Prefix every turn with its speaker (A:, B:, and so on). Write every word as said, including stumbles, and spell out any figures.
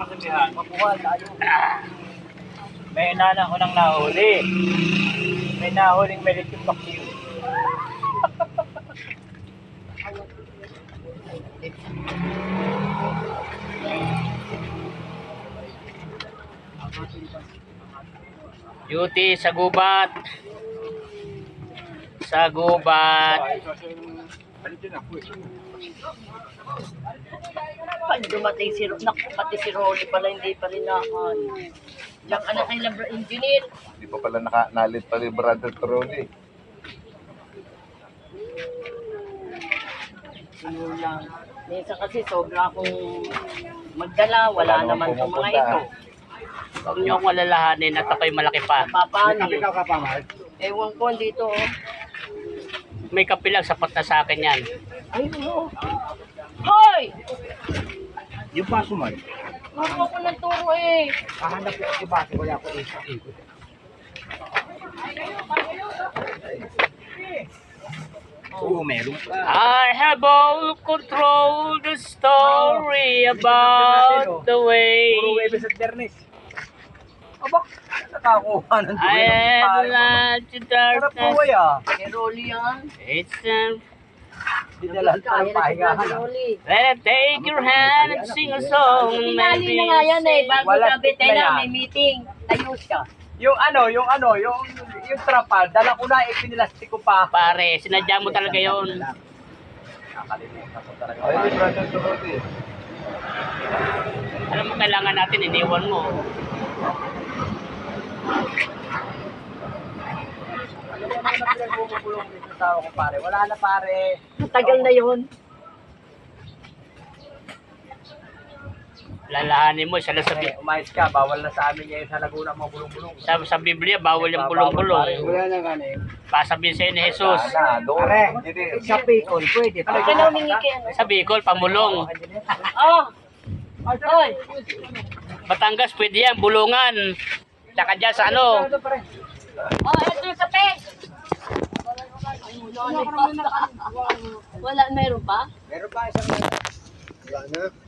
A: Makuha tayo. May inana ko nang nahuli. May nahuling Melitong Bakyo.
B: Duty sa gubat. Sa gubat.
C: Pag dumating si Naku, pati si Rolly pala hindi pa rin nakan. Yung anak kay Labra Engineer.
D: Hindi pa pala naka, nalit pa rin brother Trony.
C: Yun lang. Minsan kasi sobra akong magdala, wala,
D: Wala
C: naman
D: namang
C: itong mga
D: pumupunta.
C: ito.
B: Huwag niyo akong alalahanin at ako'y malaki pa.
C: Papaano? Ewan ko dito. Oh.
B: May kape lang, sapat na sa akin yan.
C: Ay, no. Hoy!
A: Yung paso man.
C: Turo ko ng turo eh.
A: Kahanap ko si Baso, wala ko isa. Oo, meron pa.
B: I have all control the story about the way
A: Puro Webes at Bernes. Aba, nakakuha ng
B: I have lied to
A: Sarap po
B: darkness.
A: ah.
C: Kay Rolly yan.
B: It's time.
A: Dinalan pa
C: Kaya
A: ng
C: na si
A: pahingahan.
C: Brother
A: ah.
C: Rolly.
B: Let take your hand and sing a song.
C: Pinali na nga yan eh. Bago
A: Wala
C: sabi
A: tip na
C: tayo na
A: yan.
C: may meeting. Tayo siya.
A: Yung ano, yung ano, yung yung trapal, dala ko na, ipinilastik ko pa.
B: Pare, sinadya mo talaga yon.
A: Nakalimutan ko talaga.
D: Ay, brother Trony.
B: Alam mo, kailangan natin, iniwan mo.
A: Ano ba naman ang pinagbubukulong sa tao ko pare? Wala na pare.
C: Tagal na yun.
B: Lalahanin mo, siya lang sa,
A: Eh, umayos ka, bawal na sa amin ngayon sa Laguna mga bulong-bulong.
B: sa, sa Biblia, bawal yung bulong-bulong.
A: Wala na nga na yun.
B: Pasabihin sa'yo ni Jesus.
D: Sana, doon.
A: Pare,
D: Hindi.
A: sa Picol, pwede.
C: Ano ka na humingi kay ano?
B: Sa Bicol, pamulong.
C: Oh! Hoy!
B: Batangas, pwede yan, bulungan. Tsaka dyan sa ano.
C: Oh, ito yung kape! Wala, meron pa?
A: Meron pa isang... Wala na.